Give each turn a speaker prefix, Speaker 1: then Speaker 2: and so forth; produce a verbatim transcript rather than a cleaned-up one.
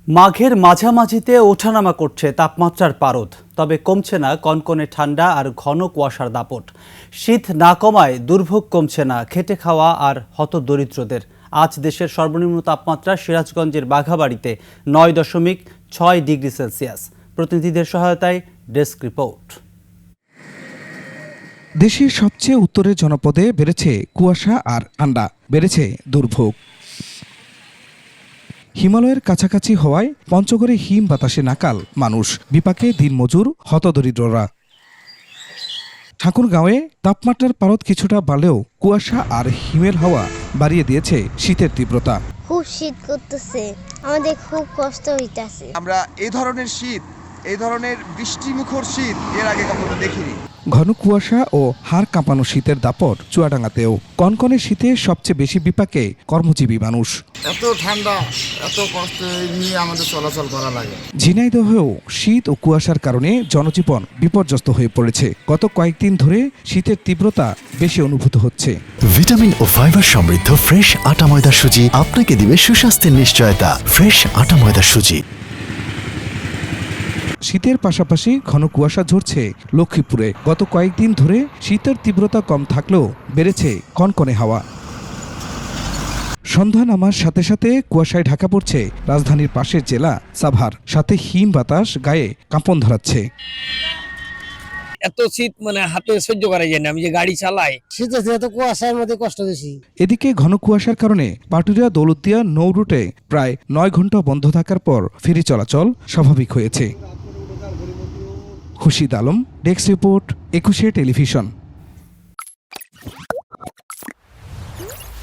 Speaker 1: মাঘের মাঝামাঝিতে ওঠানামা করছে তাপমাত্রার পারদ, তবে কমছে না কনকনে ঠান্ডা আর ঘন কুয়াশার দাপট। শীত না কমায় দুর্ভোগ কমছে না খেটে খাওয়া আর হতদরিদ্রদের। আজ দেশের সর্বনিম্ন তাপমাত্রা সিরাজগঞ্জের বাঘাবাড়িতে নয় দশমিক ছয় ডিগ্রি সেলসিয়াস। প্রতিনিধিদের সহায়তায় ডেস্ক রিপোর্ট।
Speaker 2: দেশের সবচেয়ে উত্তরের জনপদে বেড়েছে কুয়াশা আর ঠান্ডা, বেড়েছে দুর্ভোগ। হিমালয়ের কাছাকাছি হওয়ায় পঞ্চগড়ে হিম বাতাসে নাকাল মানুষ, বিপাকে দিনমজুর হতদরিদ্ররা। ঠাকুরগাঁওয়ে তাপমাত্রার পারদ কিছুটা বাড়লেও কুয়াশা আর হিমের হাওয়া বাড়িয়ে দিয়েছে শীতের তীব্রতা।
Speaker 3: খুব শীত করতেছে, আমাদের খুব কষ্ট হইতেছে।
Speaker 4: আমরা এই ধরনের শীত, এই ধরনের বৃষ্টিমুখর শীত এর আগে কখনো দেখিনি।
Speaker 2: ঘন কুয়াশা ও হাড় কাঁপানো শীতের দাপট চুয়াডাঙ্গাতেও। কনকনে শীতে সবচেয়ে বেশি বিপাকে কর্মজীবী মানুষ।
Speaker 5: এত ঠান্ডা, এত কষ্ট নিয়ে আমাদের চলাচল করা লাগে।
Speaker 2: ঝিনাইদহেও শীত ও কুয়াশার কারণে জনজীবন বিপর্যস্ত হয়ে পড়েছে। গত কয়েকদিন ধরে শীতের তীব্রতা বেশি অনুভূত হচ্ছে।
Speaker 6: ভিটামিন ও ফাইবার সমৃদ্ধ ফ্রেশ আটা ময়দা সুজি আপনাকে দিবে সুস্বাস্থ্যের নিশ্চয়তা। ফ্রেশ আটা ময়দা সুজি।
Speaker 2: শীতের পাশাপাশি ঘন কুয়াশা ঝরছে লক্ষ্মীপুরে। গত কয়েকদিন ধরে শীতের তীব্রতা কম থাকলেও বেড়েছে কনকনে হাওয়া। সন্ধ্যা নামার সাথে সাথে কুয়াশায় ঢাকা পড়ছে রাজধানীর পাশের জেলা সাভার, সাথে হিম বাতাস গায়ে কাঁপন ধরাচ্ছে।
Speaker 7: এত শীত মানে হাতে সহ্য করা যায় না, আমি যে গাড়ি চালাই
Speaker 8: শীতে এত কুয়াশার মধ্যে কষ্ট বেশি।
Speaker 2: এদিকে ঘন কুয়াশার কারণে পাটুরিয়া দৌলতদিয়া নৌ রুটে প্রায় নয় ঘন্টা বন্ধ থাকার পর ফেরি চলাচল স্বাভাবিক হয়েছে। Khurshid Alam, desk report, Ekushey television.